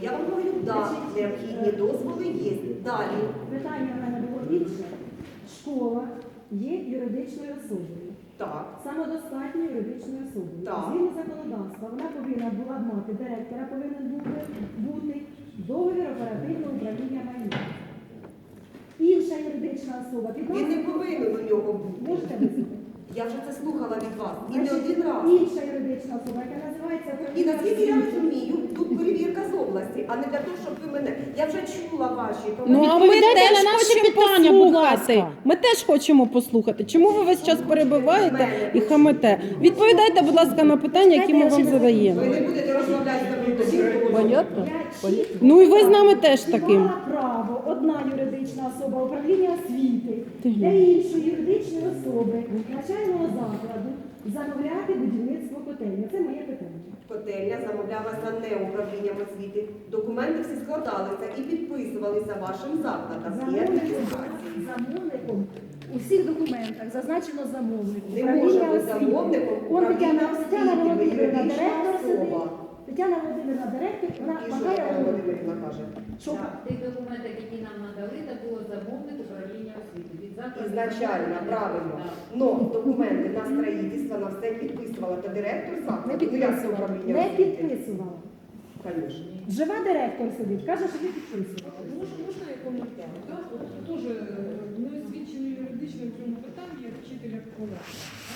Я вам говорю, да, необхідні дозволи є. Далі. Питання в мене було інше. Школа є юридичною особою. Так. Самодостатньою юридичною особою. Так. Згідно законодавства, вона повинна була мати, директора повинен бути договір оперативного управління майном. Інша юридична особа Він не повинен у нього бути. Можете вислухати? Я вже це слухала від вас. І не один раз. Інша юридична особа, яка називається І наскільки я розумію, тут перевірка з області, а не для того, щоб ви мене. Я вже чула ваші. Ну, а ми Відповідайте теж на наші хочемо питання, будь послухати. ласка. Ми теж хочемо послухати. Чому ви весь час перебиваєте і хамите? Відповідайте, будь ласка, на питання, які ми вам задаємо. Ви не будете розмовляти з нами тоді, Понятно? Я чітко Ну і ви з нами теж таким. мала право одна юридична особа управління освіти Ти для іншої юридичної особи навчального закладу замовляти будівництво котельні. Це моє питання. Котельня замовлялася не управлінням освіти. Документи всі складалися і підписувалися вашим закладом. Є реєстрації. Замовником у всіх документах зазначено замовник. Не може бути замовником Он управління Тетяна освіти, ви Володимирівна, юридична директор сидить. особа. Тетяна Володимирівна, директор, вона І що махає Тетяна головою. Володимирівна каже? Що? В тих документах, які нам надали, це було замовник управління освіти. Від закладу Ізначально, правильно. Так. Но документи на строїтельство, на все підписувала та директор Не закладу. Ну, як це підписувала. управління Не освіти? підписувала. Конечно. Жива директор сидить, каже, що ви підписували. Можна я коментар? Так, от теж не освічений юридично в цьому питанні, як вчителя колеги.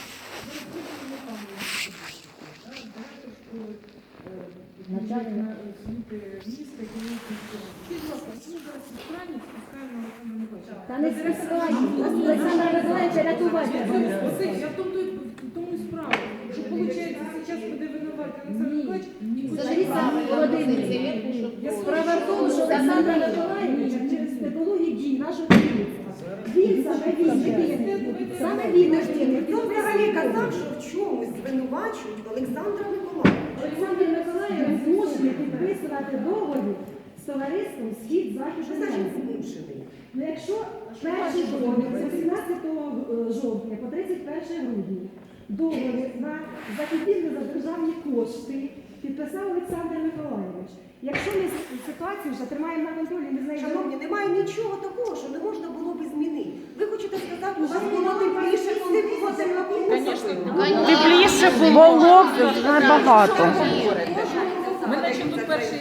Директор школи, начальник освіти міста, керівник міського. Скажіть, будь ласка, чому зараз відправлять спускаємо Олександра Миколаївича? Та не спускають. Олександра Миколаївича рятувати. Я в тому і справа, що виходить, зараз буде винувати Олександр Миколаївич. Лариса Володимирівна, справа в тому, що Олександра Миколаївича через технології дій нашого керівництва. Він саме він. Хто взагалі казав, що в чомусь звинувачують Олександра Миколаївича? Олександр Миколаївич змушений підписувати договір з товариством «Схід-Захід Що значить Український». змушений? Ну, якщо перший договір з 18 жовтня по 31 грудня договір на закупівлю за державні кошти підписав Олександр Миколаївич. Якщо ми ситуацію вже тримаємо на контролі, ми знаємо... Шановні, немає нічого такого, що не можна було б змінити. Ви хочете сказати, у вас було тепліше, коли було тепліше? Тепліше було б набагато. Ми наче тут перший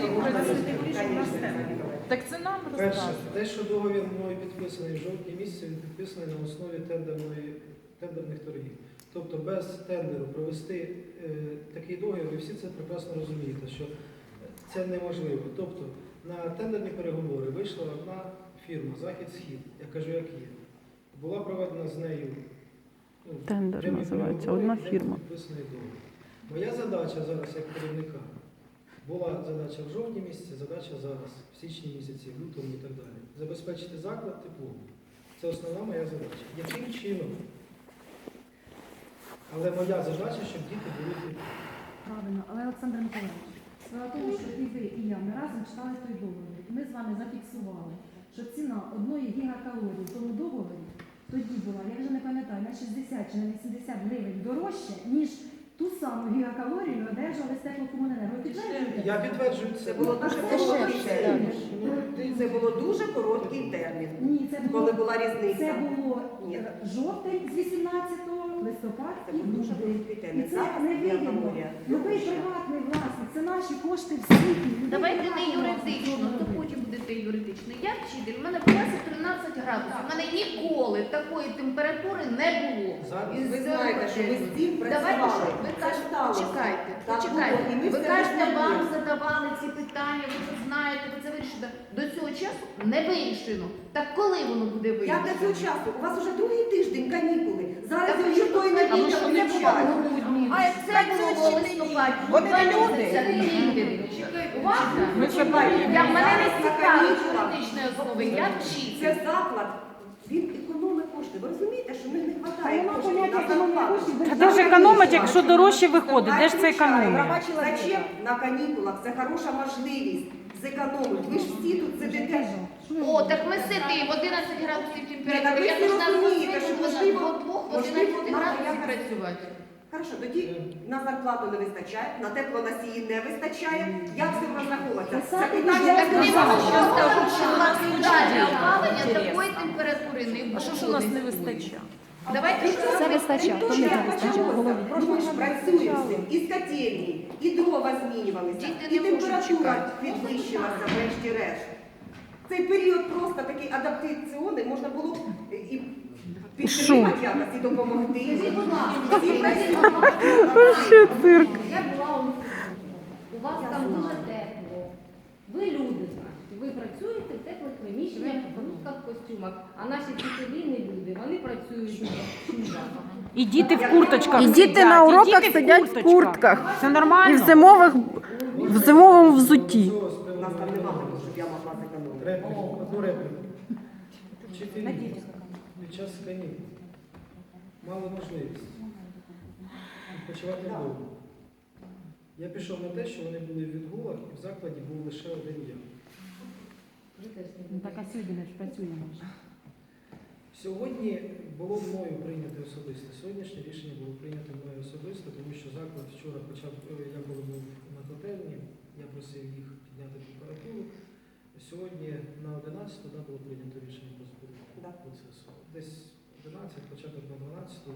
Так це нам Перше, розказує. те, що договір мною підписаний в жовтні місяці, він підписаний на основі тендерних торгів. Тобто без тендеру провести такий договір, ви всі це прекрасно розумієте, що це неможливо. Тобто на тендерні переговори вийшла одна фірма «Захід-Схід», я кажу, як є. Була проведена з нею Тендер прямі називається, переговори, одна де фірма. підписаний договір. Моя задача зараз як керівника, була задача в жовтні місяці, задача зараз, в січні місяці, в лютому і так далі. Забезпечити заклад теплом. Це основна моя задача. Яким чином? Але моя задача, щоб діти були теплі. Правильно, але Олександр Миколаївич, справа в тому, що і ви, і я, ми разом читали той договір. Ми з вами зафіксували, що ціна одної гігакалорії в тому договорі тоді була, я вже не пам'ятаю, на 60 чи на 80 гривень дорожче, ніж ту саму гігакалорію одержали з теплокомуненерго. Ви підтверджуєте? Я підтверджую це. Це було дуже короткий термін. Це було дуже короткий термін. Ні, це було, Коли була різниця. це було Ні. жовтень з 18 листопад Це і був дуже грудень. короткий І термін. це Зараз не вигідно. гігакалорія Ну ви дорожча. приватний власник, це наші кошти всі. Давайте не юридично, то потім будете юридично. Я вчитель, у мене в класі 13 градусів. У мене ніколи такої температури не було. Зараз. І Ви з знаєте, що ви з цим Давайте, що працювали. ви Це кажете, сталося. почекайте, Так почекайте. було, і ми Ви все кажете, визнаємо. вам задавали ці питання, ви це знаєте, ви це вирішите. До цього часу не вирішено. Так коли воно буде Як вирішено? до цього часу? У вас вже другий тиждень канікули. Зараз Так ви що ніхто і не це було відповідає. в грудні, а це було в листопаді. Вони не 2 люди. місяці. Уважно? Ми чекаємо. Я мене не На цікавить канікулах. юридичної основи, я Це вчитель. заклад. Він економить кошти. Ви розумієте, що в них не Та вистачає нема коштів поняття на економії зарплату. коштів. Та де ж економить, якщо дорожче виходить? Де ж це економія? Зачем на канікулах? Це хороша можливість зекономити. Ви ж всі тут сидите. О, так ми сидимо, 11 градусів Ні, так температури. ви Я всі должна розумієте, що можливо, двох в можливо, 11 надо градусів якось- працювати. Хорошо, тоді на зарплату не вистачає, на теплоносії не вистачає. Як з цим розраховуватися? Це Писати питання Так не сказала. можу сказати, що у нас індивідуальне опалення такої температури не буде. А що ж у нас не вистачає? Давайте Це вистачає, то не вистачає в голові. Ми ж працюємо з цим. І з котельні, і дрова змінювалися, Діти і не можуть температура чекати. підвищилася, врешті-решт. Цей період просто такий адаптаційний, можна було і підтримати якось, і допомогти. Скажіть, будь ласка, Всі працюють. Вообще цирк. я була у вас там дуже тепло. Ви люди, значить, ви працюєте в теплих приміщеннях, в русских костюмах, а наші вчителі не люди, вони працюють в шубах. І діти в курточках І сидять. діти на уроках діти сидять в куртках. Це І нормально? в зимовому взутті. У нас там немає, щоб я могла зекономити. Одну репліку. Вчителі під час канікул мали можливість відпочивати вдома. Я пішов на те, що вони були в відгулах, і в закладі був лише один я. Ну, так а сьогодні ми ж працюємо вже. Сьогодні було мною прийнято особисто. Сьогоднішнє рішення було прийнято мною особисто, тому що заклад вчора почав, я коли був на котельні, я просив їх підняти температуру. Сьогодні на 11 да, було прийнято рішення про збір процесу. Десь 11, початок на 12.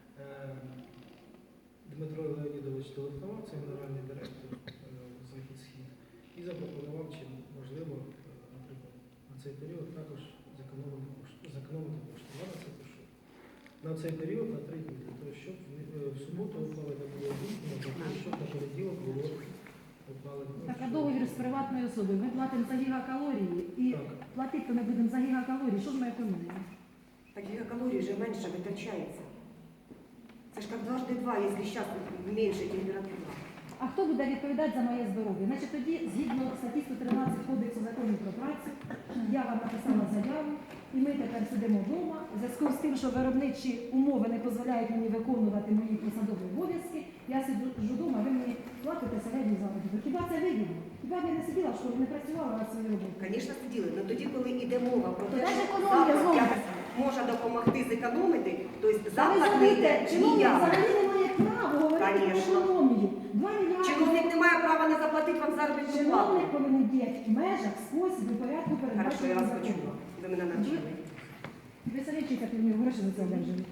Дмитро Леонідович телефонував, це генеральний директор Захід-Схід, і запропонував, чи можливо, наприклад, на цей період також зекономити кошти. Я на це пишу. На цей період на 3 дні, для того, щоб в суботу опалення було дійсно, для того, щоб на понеділок було опалення. Так, а договір з приватною особою. Ми платимо за гігакалорії і Так. платити ми будемо за гігакалорії. Що ж ми економимо? Так гигакалорий вже менше витрачається. Це ж як дважди два, якщо зараз менше температура. А хто буде відповідати за моє здоров'я? Значить, тоді, згідно статті 113 Кодексу законів про працю, я вам написала заяву, і ми тепер сидимо вдома. В зв'язку з тим, що виробничі умови не дозволяють мені виконувати мої посадові обов'язки, я сиджу вдома, ви мені платите середню заробіток. Хіба це вигідно? Хіба б я не сиділа в школі, не працювала на свою роботу? Звісно, сиділи. Але тоді, коли йде мова про те, Та ж що економія заклад знову. якось може допомогти зекономити, то Ви заклад не знаєте, йде чиновник ніяк. взагалі не має права говорити про Конечно. економію. 2 мільярди. Чиновник не має права не заплатити вам заробітну плату. Чиновник повинен діяти в межах, спосіб і порядку Хорошо, я передбаченого вас законом. почула. Ви мене навчили. Ви самі вчите, як мені гроші за це одержуєте.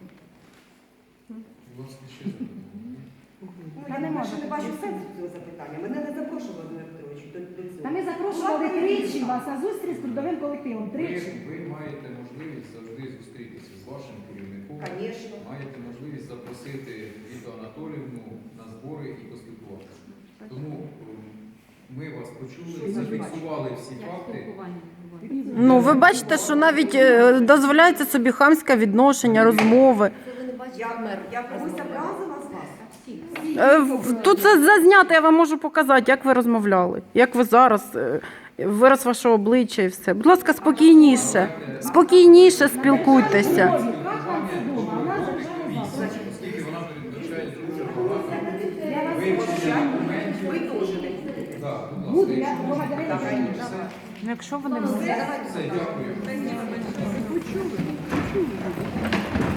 Та не Я можу. ще не бачу сенсу цього запитання. Мене не запрошували, Дмитро Петрович, до цього. Та ми запрошували тричі вас на зустріч з трудовим колективом. Тричі. Ви маєте можливість завжди зустрітися з вашим керівником. Звісно. Маєте можливість запросити Віту Анатоліївну на збори і поспілкуватися. Тому ми вас почули, зафіксували всі факти. Ну, ви бачите, що навіть дозволяється собі хамське відношення, розмови. Я комусь образила з вас? Тут це зазнято, я вам можу показати, як ви розмовляли, як ви зараз, вираз ваше обличчя і все. Будь ласка, спокійніше, спокійніше спілкуйтеся. Оскільки вона передбачає дуже багато Я вас вивчення документів. Ви теж не будете. Так, будь буду, ласка, я якщо благодарю. Ну, якщо вони все, дякую.